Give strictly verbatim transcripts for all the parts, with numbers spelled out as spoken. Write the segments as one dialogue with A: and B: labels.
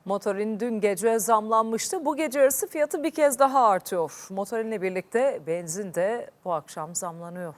A: Motorin dün gece zamlanmıştı. Bu gece yarısı fiyatı bir kez daha artıyor. Motorinle birlikte benzin de bu akşam zamlanıyor.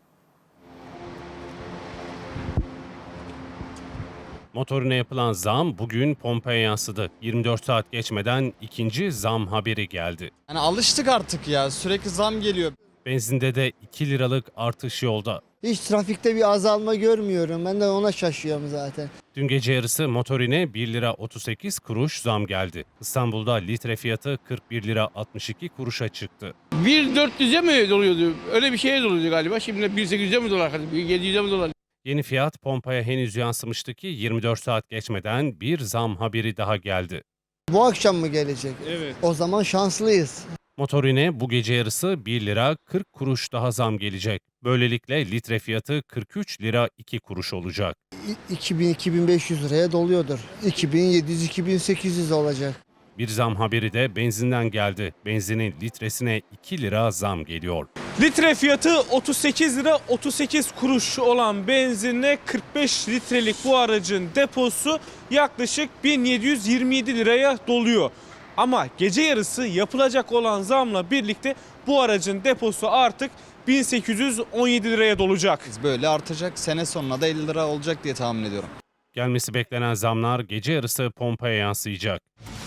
B: Motorine yapılan zam bugün pompaya yansıdı. yirmi dört saat geçmeden ikinci zam haberi geldi.
C: Yani alıştık artık ya, sürekli zam geliyor.
B: Benzinde de iki liralık artış yolda.
D: Hiç trafikte bir azalma görmüyorum. Ben de ona şaşıyorum zaten.
B: Dün gece yarısı motorine bir lira otuz sekiz kuruş zam geldi. İstanbul'da litre fiyatı kırk bir lira altmış iki kuruşa çıktı.
E: bin dört yüze mi doluyordu? Öyle bir şeye doluyordu galiba. Şimdi bin sekiz yüze mi dolar? bin yedi yüze mi dolar?
B: Yeni fiyat pompaya henüz yansımıştı ki yirmi dört saat geçmeden bir zam haberi daha geldi.
D: Bu akşam mı gelecek?
E: Evet.
D: O zaman şanslıyız.
B: Motorine bu gece yarısı bir lira kırk kuruş daha zam gelecek. Böylelikle litre fiyatı kırk üç lira iki kuruş olacak.
D: iki bin iki bin beş yüz liraya doluyordur. iki bin yedi yüz iki bin sekiz yüz olacak.
B: Bir zam haberi de benzinden geldi. Benzinin litresine iki lira zam geliyor.
F: Litre fiyatı otuz sekiz lira otuz sekiz kuruş olan benzinle kırk beş litrelik bu aracın deposu yaklaşık bin yedi yüz yirmi yedi liraya doluyor. Ama gece yarısı yapılacak olan zamla birlikte bu aracın deposu artık bin sekiz yüz on yedi liraya dolacak.
C: Böyle artacak, sene sonuna da elli lira olacak diye tahmin ediyorum.
B: Gelmesi beklenen zamlar gece yarısı pompaya yansıyacak.